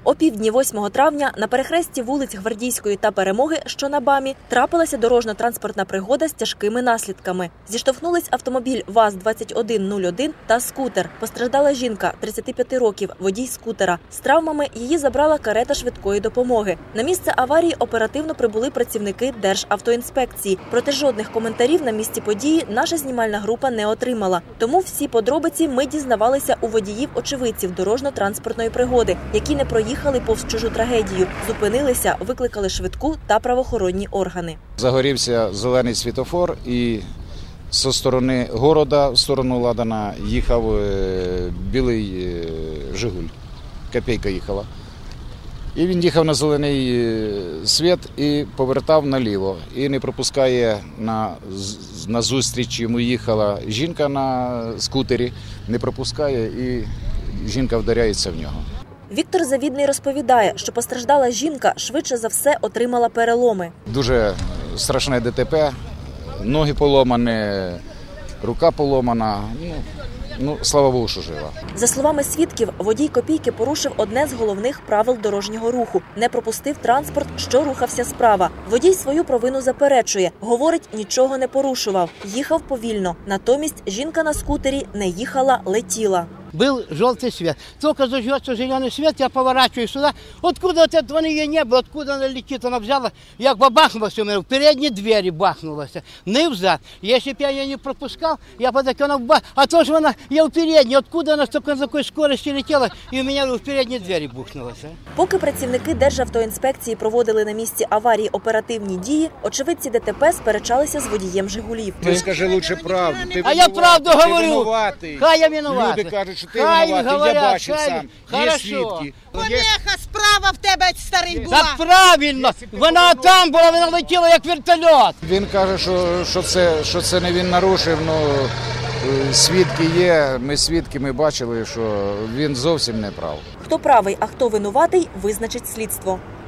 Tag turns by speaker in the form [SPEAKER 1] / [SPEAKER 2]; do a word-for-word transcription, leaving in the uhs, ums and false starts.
[SPEAKER 1] О півдні восьмого травня на перехресті вулиць Гвардійської та Перемоги, що на БАМі, трапилася дорожньо-транспортна пригода з тяжкими наслідками. Зіштовхнулись автомобіль ВАЗ двадцять один нуль один та скутер. Постраждала жінка, тридцяти п'яти років, водій скутера. З травмами її забрала карета швидкої допомоги. На місце аварії оперативно прибули працівники Державтоінспекції. Проте жодних коментарів на місці події наша знімальна група не отримала. Тому всі подробиці ми дізнавалися у водіїв-очевидців дорожньо-транспортної пригоди, які не проїхали повз чужу трагедію, зупинилися, викликали швидку та правоохоронні органи.
[SPEAKER 2] Загорівся зелений світлофор і зі сторони города, в сторону Ладана, їхав білий «Жигуль», копійка їхала. І він їхав на зелений світ і повертав наліво. І не пропускає, на, на зустріч йому їхала жінка на скутері, не пропускає і жінка вдаряється в нього.
[SPEAKER 1] Віктор Завідний розповідає, що постраждала жінка швидше за все отримала переломи.
[SPEAKER 2] Дуже страшне ДТП, ноги поломані, рука поломана. Ну, ну, слава Богу, що жива.
[SPEAKER 1] За словами свідків, водій копійки порушив одне з головних правил дорожнього руху – не пропустив транспорт, що рухався справа. Водій свою провину заперечує. Говорить, нічого не порушував. Їхав повільно. Натомість жінка на скутері не їхала, летіла.
[SPEAKER 3] Был желтый свет. Только зажжется зеленый свет, я поворачиваю сюда. Откуда вот этого ее не было, откуда она летит, она взяла, як бахнулась у меня, в передней двери бахнулась, не взад. Если бы я ее не пропускал, я бы так, она бах... А то же она, я в передней, откуда она столько на такой скорости летела, и у меня в передней двери бухнулась.
[SPEAKER 1] Поки працівники Державтоінспекції проводили на місці аварії оперативні дії, очевидці ДТП сперечалися з водієм «Жигулів».
[SPEAKER 2] Ти скажи лучше правду. Ти
[SPEAKER 3] а я правду
[SPEAKER 2] ти
[SPEAKER 3] говорю.
[SPEAKER 2] Винуватий.
[SPEAKER 3] Хай я винуватий.
[SPEAKER 2] Люди кажуть, що ти
[SPEAKER 3] хай
[SPEAKER 2] винуватий,
[SPEAKER 3] говорять,
[SPEAKER 2] я бачив
[SPEAKER 3] хай...
[SPEAKER 2] сам.
[SPEAKER 3] Хорошо.
[SPEAKER 2] Є свідки.
[SPEAKER 4] Помеха справа в тебе, старий, була.
[SPEAKER 3] Так правильно, вона там була, вона летіла як вертольот.
[SPEAKER 2] Він каже, що, що, це, що це не він нарушив, ну, свідки є, ми свідки, ми бачили, що він зовсім не прав.
[SPEAKER 1] Хто правий, а хто винуватий, визначить слідство.